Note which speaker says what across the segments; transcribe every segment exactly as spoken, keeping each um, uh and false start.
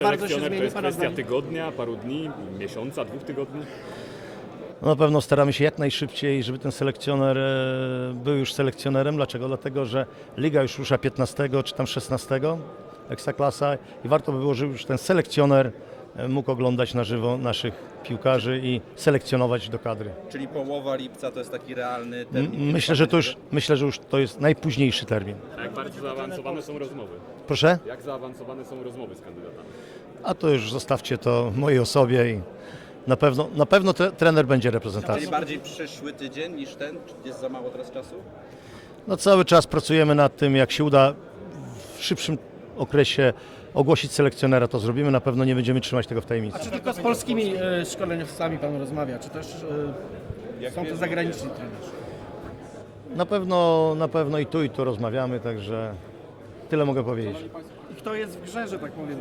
Speaker 1: Bardzo się
Speaker 2: Selekcjoner to
Speaker 1: zmieni
Speaker 2: jest
Speaker 1: Pana
Speaker 2: kwestia
Speaker 1: zdaniem?
Speaker 2: tygodnia, paru dni, miesiąca, dwóch tygodni?
Speaker 3: No na pewno staramy się jak najszybciej, żeby ten selekcjoner e, był już selekcjonerem. Dlaczego? Dlatego, że liga już rusza piętnastego czy tam szesnastego, Ekstraklasa, i warto by było, żeby już ten selekcjoner e, mógł oglądać na żywo naszych piłkarzy i selekcjonować do kadry.
Speaker 4: Czyli połowa lipca to jest taki realny
Speaker 3: M-
Speaker 4: termin?
Speaker 3: Myślę, że to już, myślę, że już to jest najpóźniejszy termin.
Speaker 2: A jak bardzo zaawansowane są rozmowy?
Speaker 3: Proszę?
Speaker 2: Jak zaawansowane są rozmowy z kandydatami?
Speaker 3: A to już zostawcie to mojej osobie i na pewno, na pewno tre, trener będzie reprezentacją.
Speaker 4: Czyli bardziej przyszły tydzień niż ten? Czy jest za mało teraz czasu?
Speaker 3: No cały czas pracujemy nad tym, jak się uda w szybszym okresie ogłosić selekcjonera, to zrobimy. Na pewno nie będziemy trzymać tego w tajemnicy.
Speaker 1: A czy tylko z polskimi e, szkoleniowcami Pan rozmawia, czy też e, są to zagraniczni trenerzy?
Speaker 3: Na pewno, na pewno i tu, i tu rozmawiamy, także tyle mogę powiedzieć.
Speaker 1: I kto jest w grze, że tak powiem?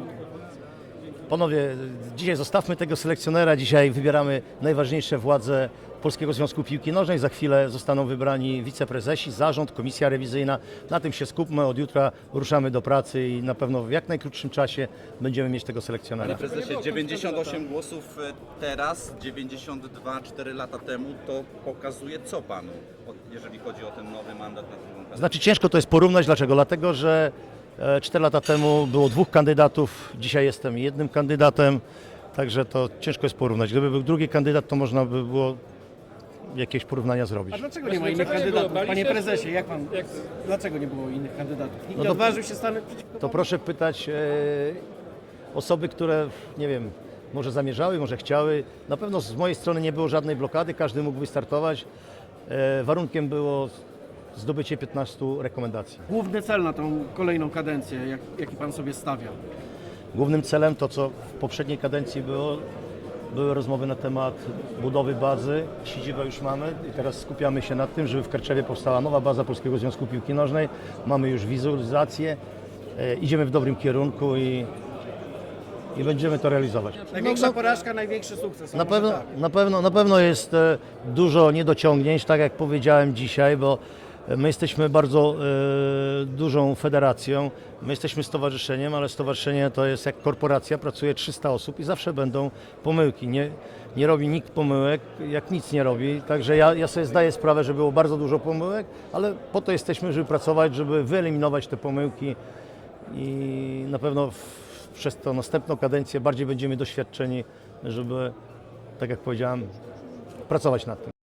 Speaker 3: Panowie, dzisiaj zostawmy tego selekcjonera, dzisiaj wybieramy najważniejsze władze Polskiego Związku Piłki Nożnej. Za chwilę zostaną wybrani wiceprezesi, zarząd, komisja rewizyjna. Na tym się skupmy, od jutra ruszamy do pracy i na pewno w jak najkrótszym czasie będziemy mieć tego selekcjonera.
Speaker 4: Panie prezesie, dziewięćdziesiąt osiem głosów teraz, dziewięćdziesiąt dwa cztery lata temu, to pokazuje co Panu, jeżeli chodzi o ten nowy mandat na drugą kadencję?
Speaker 3: Znaczy ciężko to jest porównać, dlaczego? Dlatego, że cztery lata temu było dwóch kandydatów, dzisiaj jestem jednym kandydatem, także to ciężko jest porównać. Gdyby był drugi kandydat, to można by było jakieś porównania
Speaker 1: A
Speaker 3: zrobić.
Speaker 1: dlaczego nie ma innych kandydatów? Panie prezesie, jak Pan, dlaczego nie było innych kandydatów? Nikt
Speaker 3: No
Speaker 1: nie
Speaker 3: to-
Speaker 1: odważył się stanąć przeciwko
Speaker 3: To
Speaker 1: panu?
Speaker 3: proszę pytać e, osoby, które, nie wiem, może zamierzały, może chciały. Na pewno z mojej strony nie było żadnej blokady, każdy mógł wystartować. E, warunkiem było zdobycie piętnastu rekomendacji.
Speaker 1: Główny cel na tą kolejną kadencję, jak, jaki Pan sobie stawia?
Speaker 3: Głównym celem, to co w poprzedniej kadencji było, były rozmowy na temat budowy bazy. Siedzibę już mamy i teraz skupiamy się na tym, żeby w Karczewie powstała nowa baza Polskiego Związku Piłki Nożnej. Mamy już wizualizację, e, idziemy w dobrym kierunku i, i będziemy to realizować.
Speaker 1: Największa
Speaker 3: No,
Speaker 1: porażka, największy sukces. a
Speaker 3: na,
Speaker 1: może
Speaker 3: pewno,
Speaker 1: tak.
Speaker 3: na, pewno, na pewno jest e, dużo niedociągnięć, tak jak powiedziałem dzisiaj, bo my jesteśmy bardzo e, dużą federacją, my jesteśmy stowarzyszeniem, ale stowarzyszenie to jest jak korporacja, pracuje trzysta osób i zawsze będą pomyłki. Nie, nie robi nikt pomyłek, jak nic nie robi, także ja, ja sobie zdaję sprawę, że było bardzo dużo pomyłek, ale po to jesteśmy, żeby pracować, żeby wyeliminować te pomyłki i na pewno w, przez tą następną kadencję bardziej będziemy doświadczeni, żeby, tak jak powiedziałem, pracować nad tym.